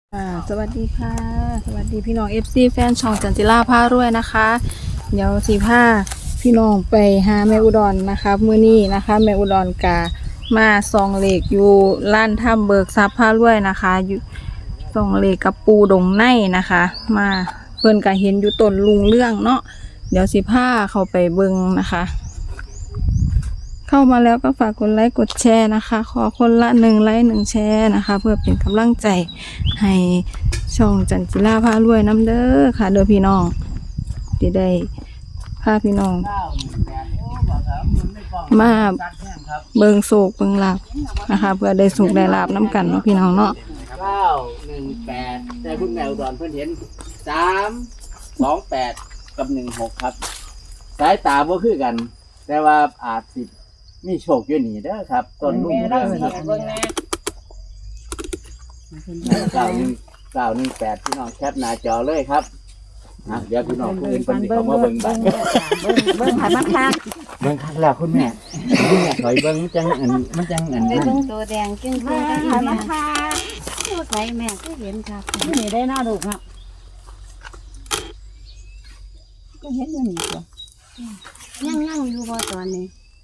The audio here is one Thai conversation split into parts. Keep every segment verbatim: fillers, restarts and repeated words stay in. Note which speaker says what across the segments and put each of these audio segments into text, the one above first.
Speaker 1: อ่าสวัสดีค่ะสวัสดีพี่น้อง เอฟ ซี แฟนช่องจันจิราพารวยนะคะเดี๋ยวสีผ้าพี่น้องไปหาแม่อุดรนะคะมื้อนี้นะคะแม่อุดรกามาซองเหล็กอยู่ร้านถ้ำเบิกทรัพย์พารวยนะคะอยู่ซองเหล็กกับปูดงในนะคะ มาเพิ่นก็เห็นอยู่ต้นลุงเรื่องเนาะเดี๋ยวสิผ้าเข้าไปเบิ่งนะคะ เข้ามาแล้วก็ฝากกดไลค์กดแชร์นะคะ ขอคนละหนึ่งไลค์หนึ่งแชร์นะคะ เพื่อเป็นกำลังใจให้ช่องจันจิราพารวยน้ำเด้อค่ะเด้อพี่น้องที่ได้พาพี่น้องมาเบิงโศกเบิงลาบนะคะ เพื่อได้สุขได้ลาบน้ำกันเนาะพี่น้องเนาะ
Speaker 2: เก้าหนึ่งแปดแต่คุณแมวดอนเพื่อนเห็นสามสองแปดกับหนึ่งหกครับสายตาบ่คือกัน แต่ว่าอาจสิมีโชคอยู่นี่เด้อครับต้นลุ่มเด้อครับเก้าหนึ่งเก้าหนึ่งแปดพี่น้องแคปหน้าจอเลยครับนะเดี๋ยวพี่น้องคุณเป็นคนมาเบิ่งบ้าง
Speaker 3: เบิ่งเบิ่งหันมาคัก
Speaker 2: เบิ่งคักแล้วคุณแม่คุณแม่ถอยเบิ่งมันจังอันมันจังอัน
Speaker 3: ไป
Speaker 2: นั้น
Speaker 3: เบิ่งตัวแดงจึ้งๆกันหันมาคักตัวใสแม่ก็เห็นครับนี่ได้หน้าดูครับก็เห็นอยู่นี่ตัวยังนั่งอยู่บ่ตอนนี้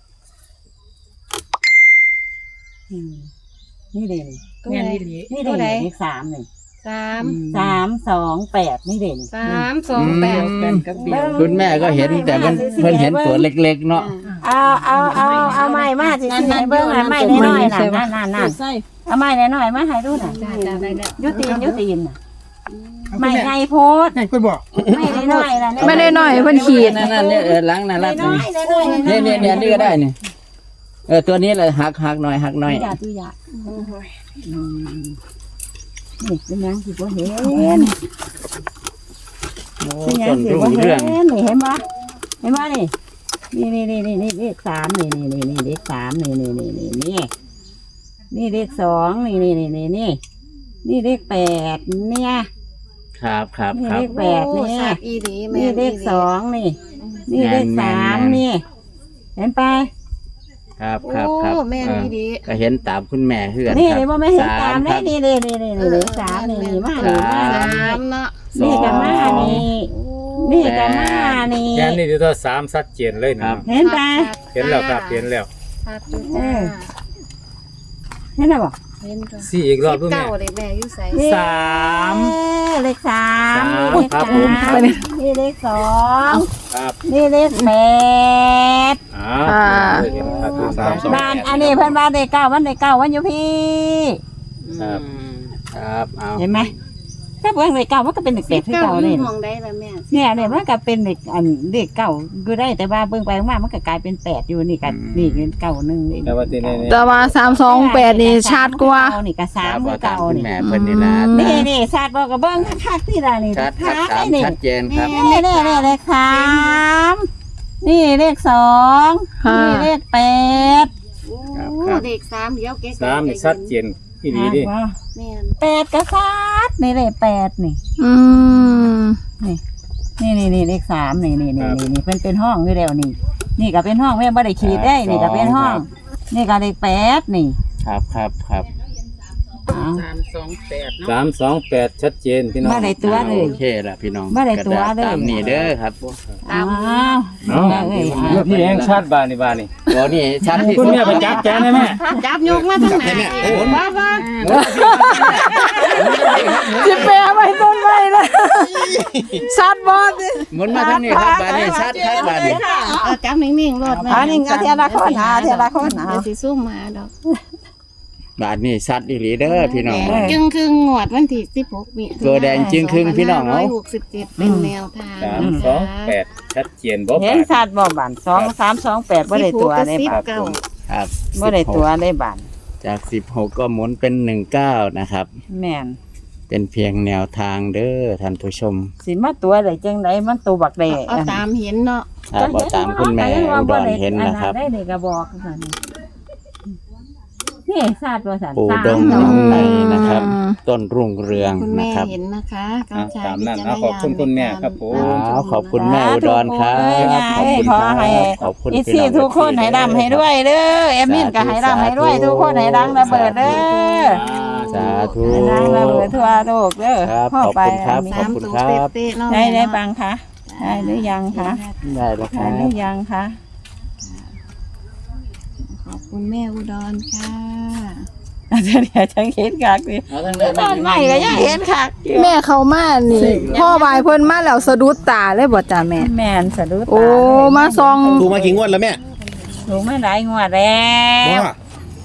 Speaker 3: นี่เด่นนี่เด่นนี่เด่นเลขสามนี่สามสามสองแปดนี่เด่นสามสองแปด
Speaker 2: คุณแม่ก็เห็นแต่เพิ่นเพิ่นเห็นตัวเล็กๆเนาะ
Speaker 3: เอาเอาเอาเอาไม้มาสิให้เบิ่งให้ไม้น้อยๆน่ะนั่นนั่นนั่นเอาไม้น้อยๆมาให้ดูน่ะยุติยุติน่ะไม่ไงโพด
Speaker 4: ไงคุณบอก
Speaker 3: ไม่ได้น้อยล่ะ
Speaker 1: ไม่ได้น้อยเพิ่นขีด
Speaker 2: นั่นๆเนี่ยเออล้างน่ารักนี่เนี่ยเนี่ยนี่ก็ได้นี่เออตัวนี้เลยหักหักหน่อยหักหน่อย
Speaker 3: อย่าตุยานี่เป็นยังสิบ่เห็นเป็นยังสิบ่เห็นนี่เห็นบ่เห็นบ่นี่นี่นี่นี่นี่เลขสามนี่นี่นี่นี่เลขสามนี่นี่นี่นี่นี่นี่เลขสองนี่นี่นี่นี่นี่นี่เลขแปดเนี่ย
Speaker 2: ครับครับ
Speaker 3: นี่
Speaker 2: ครับ
Speaker 3: เลขแปดนี่นี่เลขสองนี่นี่เลขสามนี่เห็นไป
Speaker 2: ครับครับครับก็เห็นตามคุณแม่เฮือน
Speaker 3: นี่เลยว่าไม่เห็นตามเลยนี่นี่นี่นี่นี่เลขสามนี่นี่มานี่มานี่กันมานี่นี่กันมานี่
Speaker 4: แค่นี้ที่ตัวสามชัดเจนเลยนะ
Speaker 3: เห็นไป
Speaker 4: เห็นแล้วครับเห็นแล้ว
Speaker 3: เห็นแล้วบ่
Speaker 4: สี่อีกรอบด้วยแม่
Speaker 3: สามเลขสาม
Speaker 4: ครับผม
Speaker 3: นี่เลขสอง
Speaker 4: ครับ
Speaker 3: นี่เลขแปด
Speaker 4: อ่า
Speaker 3: บ้านอันนี้เพื่อนบ้านเลขเก้าวันเลขเก้าวันอยู่พี่
Speaker 2: ครับครับเอา
Speaker 3: เห็นไหมถ้าเพื่อนเลขเก้ามันก็เป็นเลขแปดที่เก้าเลยเนี่ยเนี่ยมันก็เป็นเลขอันเลขเก้าก็ได้แต่ว่าเบิ่งไปมามันก็กลายเป็นแปดอยู่นี่กันนี่เป็นเก้าหนึ่งนี่
Speaker 1: แต่ว่าสามสองแปดนี่ชัดกว่า
Speaker 3: นี่ก็สามเก้านี่
Speaker 2: แม่เพิ่นนี่นะ
Speaker 3: นี่นี่ชัดบอกกับเบิ้งคักๆที่ไรนี่
Speaker 2: ชัดชัดชัดเจนครับ
Speaker 3: นี่นี่นี่เลขสามนี่เลขสองนี่เลขแปด
Speaker 5: เลขสามเดี๋ยวเก๊
Speaker 4: สามชัดเจนที่ดีดิ
Speaker 3: แปดก็ชัดนี่เลขแปดนี่
Speaker 1: อืม
Speaker 3: นี่นี่นี่เลขสามนี่นี่นี่นี่เป็นเป็นห้องอยู่แล้วนี่นี่ก็เป็นห้องแม่บ่ได้ขีดได้นี่ก็เป็นห้องนี่ก็เลขแปดนี่
Speaker 2: ครับครับครับ
Speaker 5: สามสองแปด
Speaker 4: สามสองแปดชัดเจนพี่น้อง
Speaker 3: ไม่ได้ตัวเลย
Speaker 2: โอเคละพี่น้อง
Speaker 3: ไม่ได้ตัวเลย
Speaker 2: ตามนี่เด้อครับ
Speaker 3: ตาม
Speaker 4: เนาะพี่เองชัดบานี่บานี่
Speaker 2: ตัวนี้ชัดที่
Speaker 4: คุณแม่ไปจับแกนได้ไหม
Speaker 5: จับยกมาทางไหนบ้าบ้า
Speaker 1: จะแปลไปต้นไม้เลยชัดบอส
Speaker 2: หมุนมาทางนี้ครับบานี่ชัดชัดบานี่
Speaker 5: จับนิ่งๆรถ
Speaker 3: มาอันนี้ก็เทละคนหาเทละคนหา
Speaker 5: สิซุ่มมาดอก
Speaker 2: บาทนี่ชัดอีหลีเด้อพี่น้อง
Speaker 5: จึงครึ่งงวดวันที่สิบหกมี
Speaker 2: ตัวแดงจึงครึ่งพี่น้อง
Speaker 5: เนาะหกสิบเจ็ดเป็นแนวทาง
Speaker 4: สามสองแปดชัดเจนบ่
Speaker 3: เห็นชัดบ่บานสองสามสองแปดบ่ได้ตัวได้บาน
Speaker 2: ครับ
Speaker 3: บ่ได้ตัวได้บาน
Speaker 2: จากสิบหกก็หมุนเป็นหนึ่งเก้านะครับ
Speaker 3: แม่น
Speaker 2: เป็นเพียงแนวทางเด้อท่านผู้ชม
Speaker 3: สิมาตัวได้จังไดมันตัวบักแดง
Speaker 5: เอาตามเห็นเนาะ
Speaker 2: ถ้าบ่ตามคุณแม่อุดรเห็นนะครับ
Speaker 3: ได้ได้ก็บอกซั่นนี่ชาติว่าสัน
Speaker 2: ปูดงน้องไตนะครับต้นรุ่งเรืองนะครับ
Speaker 5: เห็นนะคะ
Speaker 4: ตามนั้นขอบคุณคุณแม่ครับผม
Speaker 2: ขอบคุณแม่อุดรครับ
Speaker 3: ขอบคุณขอบคุณพี่ทุกคนให้ดำให้ด้วยเด้อเอมินก็ให้ดำให้ด้วยทุกคนให้ดังระเบิดเด้อ
Speaker 2: สาธุ
Speaker 3: ให้ดังระเบิดทั่วโลกเด้อ
Speaker 2: ครับ
Speaker 3: พ่อไป
Speaker 2: ขอบคุณครับ
Speaker 3: มี
Speaker 2: ขอบคุณครับ
Speaker 5: สามตัวเป๊ะๆเนาะ
Speaker 3: ได้ได้
Speaker 5: แม่เนาะ
Speaker 3: บังคะได้หรือยังคะ
Speaker 2: ได้แล้วค
Speaker 3: ได้
Speaker 2: รับ
Speaker 3: หรือยังคะ
Speaker 5: ขอบคุณแม่อุดรค่ะ
Speaker 3: อาจจะเดี๋ยวฉันเห็นคักดิ
Speaker 2: เอาทั้งเรื่อง
Speaker 3: ตอนใหม่ก็ยังเห็นคักอยู่
Speaker 1: แม่เขามานี่พ่อบายเพิ่นมาแล้วสะดุดตาเลยบ่จ้าแม่
Speaker 3: แม่นสะดุดตา
Speaker 1: โอ้มาซอง
Speaker 6: ถูกมากี่งวดแล้วแม่
Speaker 3: ถูกมาหลายงวดแล้ว
Speaker 6: ว่า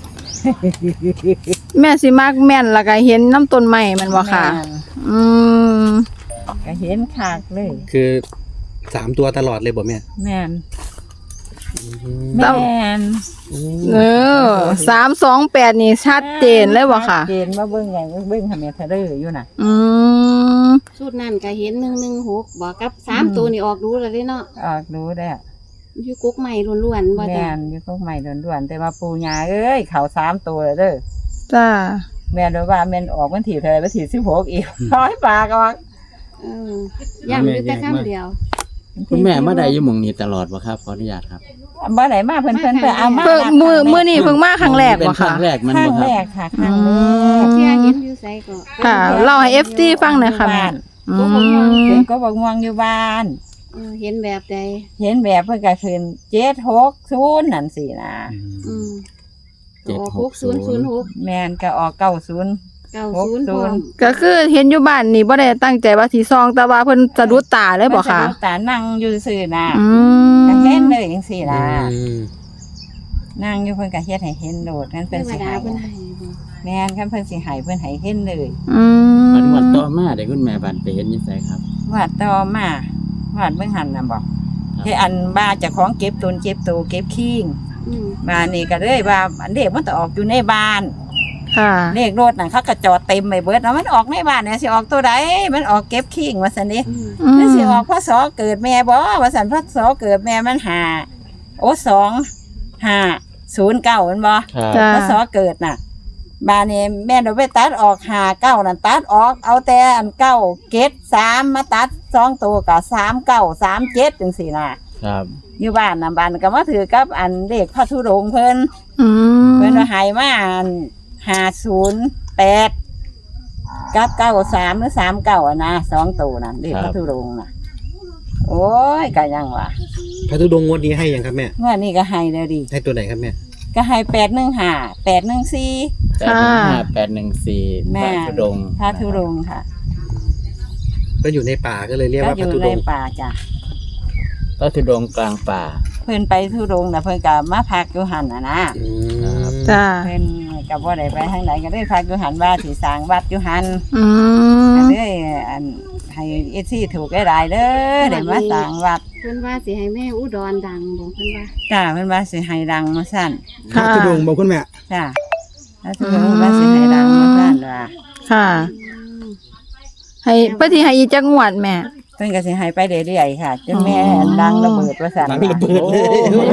Speaker 1: แม่สิมักแม่นแล้วก็เห็นน้ำต้นไม้แมันบ่ค่ะ
Speaker 3: แม่น
Speaker 1: อืม
Speaker 3: ก็เห็นคักเลย
Speaker 6: คือสามตัวตลอดเลยบ่แม่
Speaker 3: แม่น
Speaker 1: แล้
Speaker 3: แม่
Speaker 1: ว
Speaker 3: น
Speaker 1: เออสามสองแปดนี่ชัดเจนเลยบ่ค่ะ
Speaker 3: ชัดเจนมาเบิ่งอย่างเบิ่งทำเมทะเลอร์อยู่น่ะ
Speaker 1: อืม
Speaker 5: ชุดนั้นก็เห็นหนึ่งหนึ่งหกบอกกับสามตัวนี่ออกดูแล้วเด้เนาะ
Speaker 3: ออกดูได้
Speaker 5: อยู่กุ๊กใหม่ล้วนๆบ่
Speaker 3: แม่
Speaker 5: จ้ะ
Speaker 3: นอยู่พวกใหม่ด่วนๆแต่ว่าปูยาเอ้ยเขาสามตัวเลยเด้อ
Speaker 1: จ้า
Speaker 3: แม่นว่าแม่นออกวันที่เท่าไหร่วันที่สิบหกอีก ร้อยปากออก
Speaker 5: เออย้ำอยู่แต่คำเดียว
Speaker 2: คุณแม่มาได้อยู่หม่องนี้ตลอดบ่ครับขออนุญาตครับ
Speaker 3: บ่ไหนมาเพิ่นเพิ่นเพิ่นเอามา
Speaker 1: เพิ่งมือมือนี่เพิ่งมาครั้งแรก
Speaker 2: เป็น
Speaker 1: บ่
Speaker 2: ครั้
Speaker 1: ค่ะ
Speaker 2: งแรกมัน
Speaker 3: ครั้
Speaker 2: บ่
Speaker 3: ง
Speaker 2: ค
Speaker 3: แร
Speaker 2: รับ
Speaker 3: กค่ะครั้งแรก
Speaker 5: เที่ยเห็นอยู่ไสก็
Speaker 1: ค่ะเล่าให้ เอฟ ซี ฟังหน่อยค่ะแม่อื
Speaker 3: เพิ่
Speaker 1: ม
Speaker 3: นก็บอกม่วงอยู่บ้าน
Speaker 5: เออเห็นแบบใด
Speaker 3: เห็นแบบเพิ่นก็ขึ้นเจ็ดหกศูนย์นั่นสินะ
Speaker 5: อืม
Speaker 2: เจ็ด
Speaker 5: ออก
Speaker 2: ห
Speaker 5: ห
Speaker 2: ก
Speaker 5: ก
Speaker 2: ศู
Speaker 5: ศู
Speaker 2: น
Speaker 5: น
Speaker 2: ย์
Speaker 5: ย์ศูนย์หก
Speaker 3: แม่นก็ออกเก้าศูนย์
Speaker 5: เก้าศูนย์พร้อม
Speaker 1: ก็คือเห็นอยู่บ้านนี่บ่ได้ตั้งใจว่าสิซองแต่ว่าเพิ่นสะดุดตาเลยบ่ค่ะ
Speaker 3: เพิ่นสะดุดตานั่งอยู่ซื่อน่ะ
Speaker 1: อื
Speaker 3: ก็เห็น
Speaker 1: ม
Speaker 3: เลยจังซี่นะ
Speaker 6: อืม
Speaker 3: นั่งอยู่เพิ่นก็เฮ็ดให้เห็นโดดนั่น
Speaker 5: เท
Speaker 3: เพิ่น
Speaker 5: ว
Speaker 3: สิ
Speaker 5: ดา
Speaker 3: ให้
Speaker 5: เพิ่นให้บ่
Speaker 3: แม่นคันเพิ่นสิให้เพิ่นให้เห็นเลย
Speaker 1: อืม
Speaker 2: วันวันต่อมาได้คุณแม่บันไปเห็นอยู่ไสครับ
Speaker 3: วาดต่อมาวาดเบิ่งหันน่ะบ่
Speaker 2: ครับ
Speaker 3: ที่อันบ้าเจ้าของเก็บตนเก็บโตเก็บขี้ง
Speaker 5: อืม
Speaker 3: บ้านนี่ก็เลยว่าอันเด็กมันต้องออกอยู่ในบ้าน
Speaker 1: ค่ะ
Speaker 3: เลขรถน่ะเขาก็จอดเต็มไปเบิดแล้วมันออกในบ้านเนี่ยสิออกตัวใดมันออกเก็บขี้งว่าซั่นนี่
Speaker 5: อืม
Speaker 1: อืม
Speaker 3: มันสิออกพศเกิดแม่บ่ว่าซั่นพศเกิดแม่มันหาโอ้สองห้าศูนย์เก้ามันบ่
Speaker 2: ครับ
Speaker 1: จ้า
Speaker 3: พศเกิดน่ะบ้านนี้แม่เราไปตัดออกหาเก้านั่นตัดออกเอาแต่อันเก้าเกตสามมาตัดสองตัวกับสามเก้าสามเจ็ดจังสี่น่ะ
Speaker 2: ครับ
Speaker 3: อยู่บ้านน่ะบ้านก็มาถือกับอันเลขพระธุดงค์เพิ่น
Speaker 1: อืม
Speaker 3: เพิ่นว่าให้มาห้าศูนย์แปดกับเก้าสามหรือสามเก้าอ่ะนะสองตัวน่ะเลขพระธุดงค์น่ะ โอ้ยก็ยังว่า
Speaker 6: พระธุดงค์งวดนี้ให้ยังครับแม่
Speaker 3: เมื่อนี้ก็ให้เลยดิ
Speaker 6: ให้ตัวไหนครับแม่
Speaker 3: ก็ให้แปดหนึ่งห้าแปดหนึ่งสี่
Speaker 2: แปดหนึ่งห้าแปดหนึ่งสี่
Speaker 3: แม่
Speaker 2: พระธุดงค์
Speaker 3: พระธุดงค์ค่ะ
Speaker 6: ก็อยู่ในป่าก็เลยเรียก
Speaker 3: ก็
Speaker 6: ว่า
Speaker 3: อ
Speaker 6: พระ
Speaker 3: ยู่
Speaker 6: ธุ
Speaker 3: ใน
Speaker 6: ดงค์
Speaker 3: ป่าจ้ะ
Speaker 2: พระธุดงค์กลางป่า
Speaker 3: เพิ่นไปธุดงค์น่ะเพิ่นก็มาพักอยู่หันน่ะนะ
Speaker 6: อืม
Speaker 1: จ้า
Speaker 3: เพิ่นก็บ่ได้ไปทางไหนก็ได้พักอยู่หันว่าสิสร้างวัดอยู่หัน
Speaker 1: อืม
Speaker 3: ก็เลยอันให้เอซี่ถูกหลายๆเด้อได้มาสร้างวัด
Speaker 5: เพิ่นว่าสิให้แม่อุดรดังบ่เพิ่นว่า
Speaker 3: จ้าเพิ่นว่าสิให้ดังมาสั่น
Speaker 6: พระธุดงค์บอกคุณแม่
Speaker 3: จ้าแล้วธุดงค์ว่าสิให้ดังมาสั่นว่า
Speaker 1: ค่ะ
Speaker 5: อืม
Speaker 1: ให้ปฏิให้อีกจักงวดแม่
Speaker 3: เพิ่นก็สิให้ไปเรื่อยๆค่ะจนแม่ดังระเบิดว่าสั่น
Speaker 6: ดังระเบิดเลย
Speaker 3: โอ้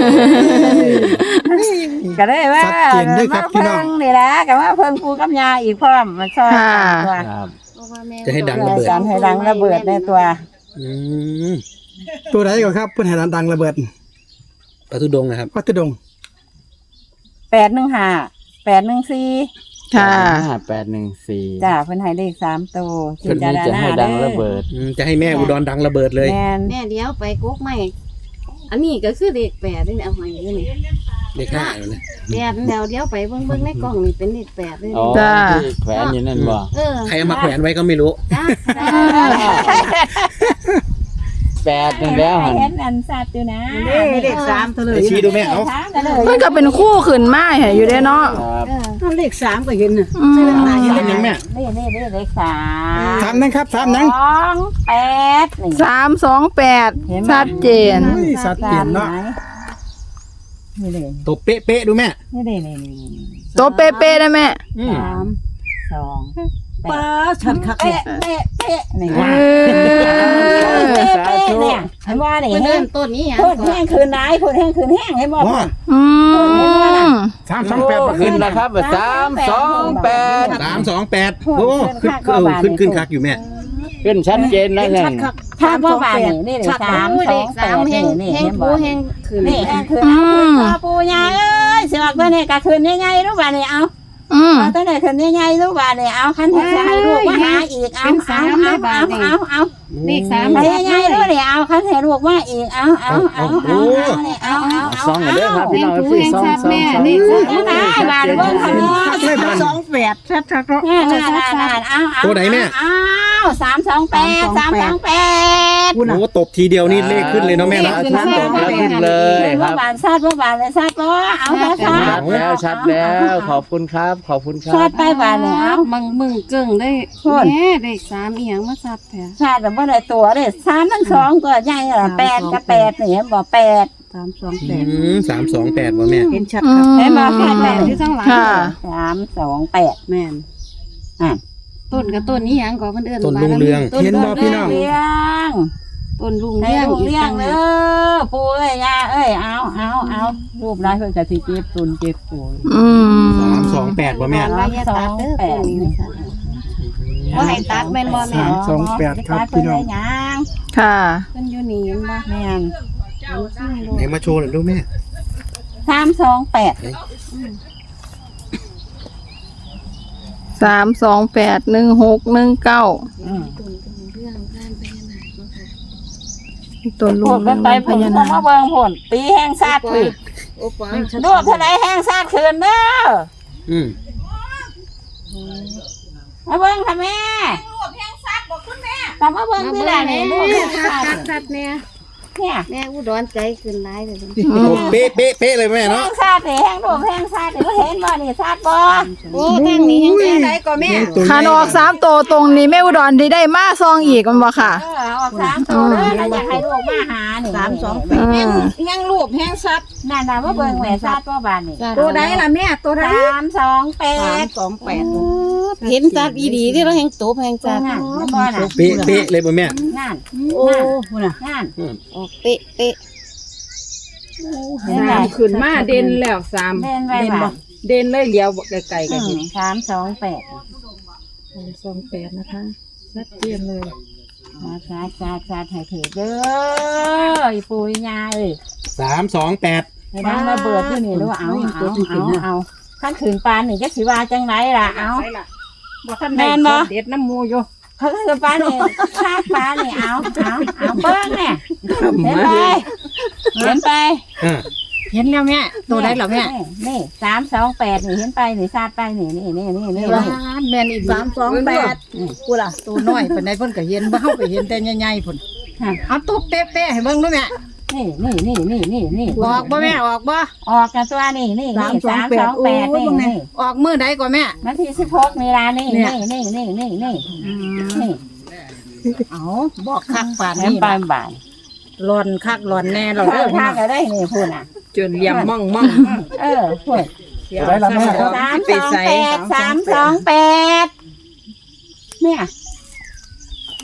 Speaker 3: ก็ได้ว่า
Speaker 6: ชัดเจนด้วยครับพี่น้อง
Speaker 3: มาเพิ่นี่ล่ะก็ว่าเพิ่งปูกับยาอีกพร้อมมาช่วยกันตัว
Speaker 2: ครับ
Speaker 5: เพราะว่าแม่
Speaker 6: จะให้ดังระเบิด
Speaker 3: การให้ดังระเบิดในตัว
Speaker 6: อืมตัวไหนก่อนครับเพื่อนให้ดังระเบิดพระธุดงค์นะครับพระธุดงค์
Speaker 3: แปดหนึ่งห้าแปดหนึ่งสี่
Speaker 1: ค่ะ
Speaker 2: ห้าแปดหนึ่งสี่
Speaker 3: จ้าเพิ่นให้เลขสามตัว
Speaker 2: เพิ่นนี้จะให้ดังระเบิด
Speaker 6: อืมจะให้แม่อุดรดังระเบิดเลย
Speaker 3: แม่น
Speaker 5: แม่เดี๋ยวไปกุ๊กใหม่อันนี้ก็คือเลขแปดนี่เอาให้อยู่นี่
Speaker 6: เลขห้าอยู่นะ
Speaker 5: แปดแล้วเดี๋ยวไปเบิ่งเบิ่งในกล่องนี่เป็นเลขแปดเลย
Speaker 2: อ๋อ
Speaker 1: จ้า
Speaker 2: ที่แขวนอยู่นั่นบ่
Speaker 5: เออ
Speaker 6: ใครเอามาแขวนไว้ก็ไม่รู้
Speaker 5: จ้า
Speaker 2: แปดนั่นแล้วหัน
Speaker 3: เห็นอันสัตว์อยู่นะ
Speaker 5: เลขสามตัวเลย
Speaker 6: ไปชี้ดูแม่เอา
Speaker 3: ถามกันเลย
Speaker 1: มันก็เป็นคู่ขึ้นมาให้อยู่เด้เนาะ
Speaker 2: ครับ
Speaker 5: เออ
Speaker 7: เลขสามก็เห็นน่ะ
Speaker 1: อืม
Speaker 6: สามยังแม่
Speaker 3: นี่นี่นี่เลขสาม
Speaker 6: สามนังครับสามนัง
Speaker 3: สองแปดนี่
Speaker 1: สามสองแปด
Speaker 3: เห็นไหม
Speaker 1: ชัดเจน
Speaker 6: เฮ้ยสัตว์เปลี่ยนเนาะ
Speaker 3: นี่เลย
Speaker 6: ตัวเป๊ะเป๊ะๆดูแม่
Speaker 3: นี่เลยนี่เลย
Speaker 1: โตเป๊ะๆนะแม่
Speaker 6: อืม
Speaker 3: สามสอง
Speaker 7: ป้าชัดคักเนี่
Speaker 3: เป๊ะ
Speaker 7: ย
Speaker 3: เป๊ะเป๊ะนี่
Speaker 1: เอ
Speaker 3: เป๊ะ
Speaker 1: อ
Speaker 3: เป๊ะเนี่ยเห็นว่านี่
Speaker 5: เพิ่น
Speaker 3: เห็
Speaker 5: เริ่
Speaker 3: น
Speaker 5: มต้นนี้หยัง
Speaker 3: พูด
Speaker 5: ก่อ
Speaker 3: แห้
Speaker 5: น
Speaker 3: งคืนไหนพูดแห้งคืนแห้งให้หมด
Speaker 6: ว้า
Speaker 1: อืม
Speaker 6: สามสองแปด
Speaker 2: ขึ้นแล้วครับสามสองแปด
Speaker 6: สามสองแปดโอ้ขึ้นเออขึ้นขึ้นคักอยู่แม่
Speaker 2: ขึ้นชัดเจนแล้ว
Speaker 7: เห็น
Speaker 2: นั่
Speaker 7: ชั
Speaker 2: น
Speaker 7: ดคัก
Speaker 3: ถ้าพ่อบานนี่นี่เลยสาม
Speaker 5: โอ้ย
Speaker 3: ส
Speaker 5: เล
Speaker 3: อง
Speaker 5: ข
Speaker 3: แป
Speaker 5: สาม
Speaker 3: ด
Speaker 5: แห่
Speaker 3: นี่
Speaker 5: ง
Speaker 3: นี่
Speaker 5: แห่ง
Speaker 3: เห็น
Speaker 5: ปู
Speaker 3: บ่
Speaker 5: แห่งขึ้น
Speaker 3: นี่แห้งคืนเอาคืนต่อปูยาเอ้ยสิออกตัวนี้ก็คืนยังไงรู้ป่ะนี่เอา
Speaker 1: อืม
Speaker 3: เอาตัวไหนขึ้นใหญ่ๆลูกบาทเนี่ยเอาคันให้ให้ลูกมาหาอีกเอาเอาเอาเอาเอาเอา
Speaker 5: เลขสาม
Speaker 3: ให้ใหญ่ๆลูกเนี่ยเอาคันให้ลูกมาอีกเอาเอาเอาเอาเอาเอา
Speaker 2: ซองกันเด้อครับพี่น้องพี่ซองซองซอง
Speaker 3: เอาได้บาทเบิ่งคันนี้
Speaker 7: เลยบาทสองแปดชัดชัด
Speaker 3: นี่นี่นี่เอาเอา
Speaker 6: ตัวไหนแม่
Speaker 3: เอาสามสองแปดสามสองแปด
Speaker 6: โอ้ตบทีเดียวนี่เลขขึ้นเลยเนาะแม่เนาะ
Speaker 2: ชัดแล้วขึ้นเลย
Speaker 3: เมื่
Speaker 2: ค
Speaker 3: อ
Speaker 2: รับ
Speaker 3: บานซาดเมื่อบานเลยซาดก็เอาซาดซา
Speaker 2: ชั
Speaker 3: ด
Speaker 2: ดแล้วชัดแล้วขอบคุณครับ ขอบคุณครั
Speaker 3: ซา
Speaker 2: บ
Speaker 3: ดไปบานเลยเอา
Speaker 5: มึงมึงเกิ่งได้
Speaker 3: โทษ
Speaker 5: แม่เลขสามอีหยังมาซับแท้
Speaker 3: ซาดแต่ว่าได้ตัวเลยสามทั้งสองก็ใหญ่ละแปดกับแปดเนี่ยบอกแปด
Speaker 7: สามสองแป
Speaker 6: อื
Speaker 7: ด
Speaker 6: มสามสองแปดว่ะแม่
Speaker 7: เห็นชัด
Speaker 1: อื
Speaker 7: ครับ
Speaker 1: ม
Speaker 3: เห็นบอกแปดแปด
Speaker 5: ที่ข้างหลัง
Speaker 1: ค่ะ
Speaker 3: สามสองแปด
Speaker 7: แม่น
Speaker 5: ต้นกับต้นนี้หยังก่อเพิ่นเอิ้น
Speaker 6: ต้นลุงเรือง
Speaker 5: ต้น
Speaker 6: เห็นบ่พี่น้อง
Speaker 3: เลี้ยง
Speaker 5: ต้นลุง
Speaker 3: ให้
Speaker 5: เลี้ยง
Speaker 3: ลูก
Speaker 5: อีก
Speaker 3: เลี้ย
Speaker 5: ตั้
Speaker 3: ง
Speaker 5: ง
Speaker 3: เอ
Speaker 5: หาก
Speaker 3: อปูเอ้ยยาเอ้ยเอาเอาเอารูปร้ายเพื่อจะที่เจ็บตุนเจ็บปู
Speaker 1: อืม
Speaker 6: สามสองแปดว่ะแม่
Speaker 5: ว่าอย่าตัดเด้อต้นนี้นะว่าให้ตัดแม่นบ่แม่
Speaker 6: สามสองแปดครับพี่น้อง
Speaker 3: ยัง
Speaker 1: ค่ะ
Speaker 5: เพิ่นอยู่นี่เห็นบ่
Speaker 3: แม่น
Speaker 6: ไหนมาโชว์หน่อยลูกแม่
Speaker 3: สามสองแปด
Speaker 1: สามสองแปดหนึ่งหกหนึ่งเก้า
Speaker 3: อืม
Speaker 5: เรื่องการพญานาคเนาะค่ะ
Speaker 1: ตัวลุ
Speaker 3: พู
Speaker 1: ง
Speaker 3: ดกันไป
Speaker 1: พ
Speaker 3: ผล
Speaker 1: ญา
Speaker 3: ก็
Speaker 1: นา
Speaker 3: มา
Speaker 1: ค
Speaker 3: เบิ่งผลตีแห้งซาดคืน
Speaker 7: โอ้ป้า
Speaker 3: รูปเท่าไรแห้งซาดคืนเด้อ
Speaker 6: อืม
Speaker 3: มาเบิ่งค่ะแม่รูปแห้งซาดบอกคุณแม่แต่มาเบิ่งที่ไหนเนี่ยรูปแห้งซาด
Speaker 5: ตัดเนี่ย
Speaker 3: เนี่ย
Speaker 5: แม่อุดรใจขึ้นหลายเลยเด้อ
Speaker 6: โอ้เป๊ะเป๊ะเป๊ะเลยแม่
Speaker 3: แห้
Speaker 6: เนาะ
Speaker 3: งซาดเนี่ยแห้งรูปแห้งซาดเนี่ยเห็นบ่นี่ซาดบ่
Speaker 5: โอ้ตั้งนี้ยังไงไหนก็แม่
Speaker 1: คันออกสามตัวตรงนี้แม่อุดรที่ได้มาซองอีกมันบ่ค่ะ
Speaker 3: เออเอาสามตัวเด้อแล้วอยากให้ลูกมาหานี่
Speaker 7: สามสองแป
Speaker 1: อื
Speaker 7: ด
Speaker 1: ม
Speaker 7: แห้งรูปแห้งชัด
Speaker 3: นั่นน่ะมาเบิ่งแม่ซาดบ่บานนี่
Speaker 7: ตัวใดล่ะแม่ตัวใด
Speaker 3: สามสองแป
Speaker 7: สาม
Speaker 3: ด
Speaker 7: สองแปด
Speaker 5: เห็นจัดอีดีที่เราแห่งตบแห่งจัด
Speaker 3: นั่นนั่นบ่น่ะ
Speaker 6: เป๊ะเป๊ะเลยป่ะแม่
Speaker 3: นั่น
Speaker 7: โอ้โหน่ะ
Speaker 3: นั่น
Speaker 5: ออกเป๊ะเป๊ะ
Speaker 3: เห็นไหม
Speaker 7: สามขึ้นมาเด่นแล้วสาม
Speaker 3: เด่นไว้บ่
Speaker 7: เด่นเลยเลี้ยวไกลๆ
Speaker 3: อื
Speaker 7: กัน
Speaker 3: มสามสองแปด
Speaker 7: สามสองแปดนะคะชัดเจนเลย
Speaker 3: มาซาดซาดซาดให้ถือเด้ออีปุยยาเอ้ย
Speaker 6: สามสองแปด
Speaker 3: ให้ดังระเบิดที่นี่รู้เอาเอาเอาเอาขั้นขืนปานนี่จะสิว่าจังไรล่ะเอา
Speaker 7: บ่ทัน
Speaker 3: แม่
Speaker 7: ได้
Speaker 3: นบ่
Speaker 7: เด็ดน้ำมูอยู่
Speaker 3: ขั้นขืนปานนี่คาดปานนี่เอาเอาเอาเบิ้งเนี่ยเห็นไปเห็นไป
Speaker 6: อ่า
Speaker 7: เห็นแล้วแม่ตัวใดเหรอแม่
Speaker 3: นี่สามสองแปดนี่เห็นไปนี่ซาดไปนี่นี่นี่นี่นี่
Speaker 7: ร้านแม่นอีกสามสองแปดกูล่ะตัวน้อยเป็นไดเพิ่นก็เห็นบ่เฮาก็เห็นแต่ใหญ่ๆพุ่นเอาตุ๊บเป๊ะๆให้เบิ่งดูแม่
Speaker 3: นี่นี่นี่นี่นี่นี่
Speaker 7: ออกบ่แม่ออกบ่
Speaker 3: ออกจากตัวนี่นี่นี่สามสองแปดนี่นี่
Speaker 7: ออกมื้อใดก่อนแม่
Speaker 3: นาทีสิบหกนี่ละนี่นี่นี่นี่นี่นี่นี่
Speaker 7: เอาบอกคักปาน
Speaker 3: เห็น
Speaker 7: นี้
Speaker 3: ปานบ่าย
Speaker 7: หลอนคักหลอนแน่หลอน
Speaker 3: เอ
Speaker 7: เด้
Speaker 3: อ
Speaker 7: อ
Speaker 3: ถ้าก็ได้นี่พูดอ่ะ
Speaker 7: จนเหลี่ยมม่องม่อง
Speaker 3: เออพูด
Speaker 6: ได้ละแม่ครับ
Speaker 3: สามสองแปดสามสองแปดเนี่ยเอา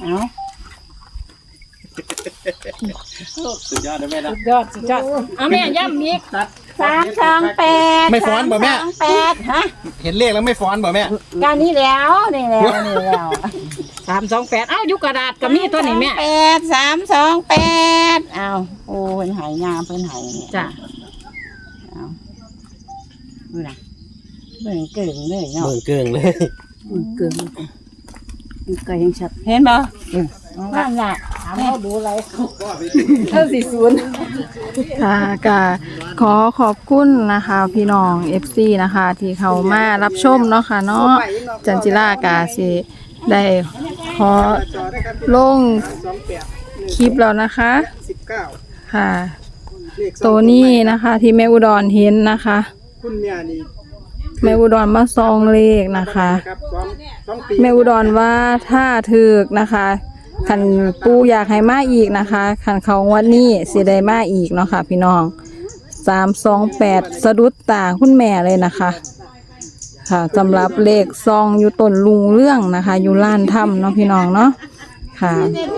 Speaker 2: สุดยอดนะแม่นะ
Speaker 7: ยอดสุดยอดเอาแม่ย่ำอีก
Speaker 3: สามสองแปด
Speaker 6: ไม่ฟ้อนบ่แม่
Speaker 3: สามสองแปดฮะ
Speaker 6: เห็นเลขแล้วไม่ฟ้อนบ่แม่
Speaker 3: การนี้แล้วนี่แล้วนี่แล้ว
Speaker 7: สามสองแปดเอ้าอยู่กระดาษก็มีตัวนี้แม่
Speaker 3: แปดสามสองแปดเอาโอ้เป็นหายงามเป็นหายเนี่ย
Speaker 7: จ้ะ
Speaker 3: เอาดูนะเบิ่งเก่งเลยเนาะ
Speaker 6: เบิ่งเกิงเลย
Speaker 7: เกินก็ยังชัด
Speaker 3: เห็นบ่นั่นแหละถามเขาดูอะไร
Speaker 7: เท่าสี่ศูนย์
Speaker 1: ค่ะก็ขอขอบคุณนะคะ พี่น้อง เอฟ ซี นะคะ ที่เขามารับชมเนาะค่ะเนาะจันจิรากาสิได้ขอลงคลิปแล้วนะคะ
Speaker 6: สิบเก้า
Speaker 1: ค่ะ ตัวนี้นะคะที่แม่อุดรเห็นนะคะ
Speaker 6: คุณแม่นี่
Speaker 1: แม่อุดรมาซองเลขนะคะ
Speaker 6: ครับสองสองปี
Speaker 1: แม่อุดรว่าถ้าถึกนะคะคันปูอยากให้มาอีกนะคะคันเขางวันนี้สิได้มาอีกเนาะค่ะพี่น้องสามสองแปดสะดุดตาคุณแม่เลยนะคะ ค่ะสำหรับเลขซองอยู่ต้นลุงเรื่องนะคะ อยู่ล้านถ้ำเนาะพี่น้องเนาะค่ะ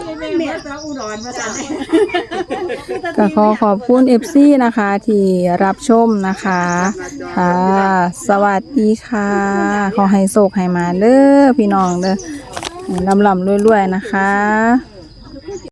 Speaker 1: ก็ขอขอบคุณเอฟซีนะคะ ที่รับชมนะคะค่ะสวัสดีค่ะ ขอให้โชคให้มาเด้อพี่น้องเด้อลำลำรวยๆนะคะ